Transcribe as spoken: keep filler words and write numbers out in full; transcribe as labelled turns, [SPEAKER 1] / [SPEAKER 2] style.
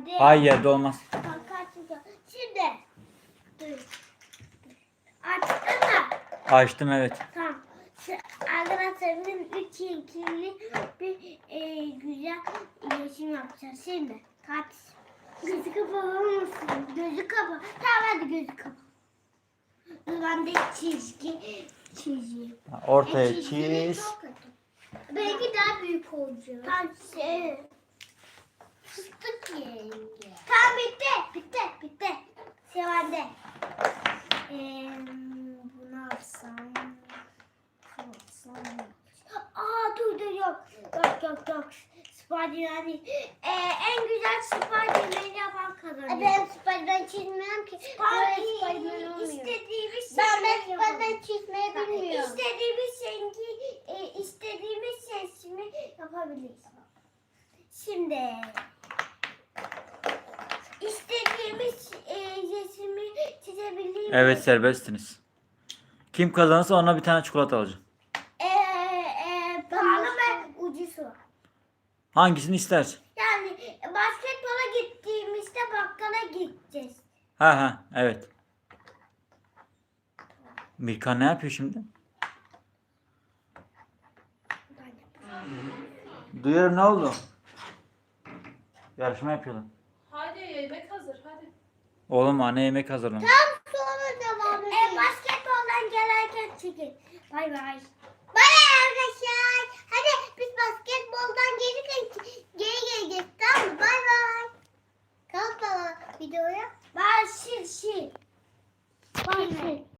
[SPEAKER 1] Hayır yerde olmaz.
[SPEAKER 2] Şimdi. Dur. Açtın mı?
[SPEAKER 1] Açtım evet.
[SPEAKER 2] Tamam. Şu- Arkadaşlar bizim üç ikili bir e, güzel iletişim yapacağız. Şimdi kaç. Gözü kapalı mısın? Gözü kapalı. Tamam hadi gözü kapalı. Dur ben de çizgi çizeyim.
[SPEAKER 1] Ortaya
[SPEAKER 2] E, çizginin
[SPEAKER 1] çiz.
[SPEAKER 2] çok kötü. Belki daha büyük olacak. Tamam şey. Fıstık yenge. Tamam bitti. Bitti. Bitti. Sevende. Ee, bunu alsam. Bunu alsam. Aa dur dur yok. Yok yok yok. Spiderman değil. Ee, en güzel Spiderman'i yapan kazanıyor. Ben Spiderman çizmiyorum ki. Spiderman istediğimiz ben ben Spiderman çizmeyi bilmiyorum. İstediğimiz rengi, e, istediğimiz resmi yapabiliriz. Şimdi istediğimiz e, resmi çizebiliriz.
[SPEAKER 1] Evet serbestsiniz. Kim kazanırsa ona bir tane çikolata alacağım.
[SPEAKER 2] Ee, e, pahalı ve ucuz var.
[SPEAKER 1] Hangisini istersin?
[SPEAKER 2] Yani basketbola gittiğimizde bakkala gideceğiz.
[SPEAKER 1] Ha ha evet. Mirkan ne yapıyor şimdi? Duyuyorum ne oldu? Yarışma yapıyorlar.
[SPEAKER 3] Hadi yemek hazır hadi.
[SPEAKER 1] Oğlum anne yemek hazırlamış.
[SPEAKER 2] Tam sonra devam edelim. E, basketboldan gelerken çekin. Bay bay. Bay arkadaşlar. Hadi biz basketboldan gelirken geri geleceğiz. Tamam mı? Bay bay. Kalk baba videoya. Bay şil şil. Bay şil.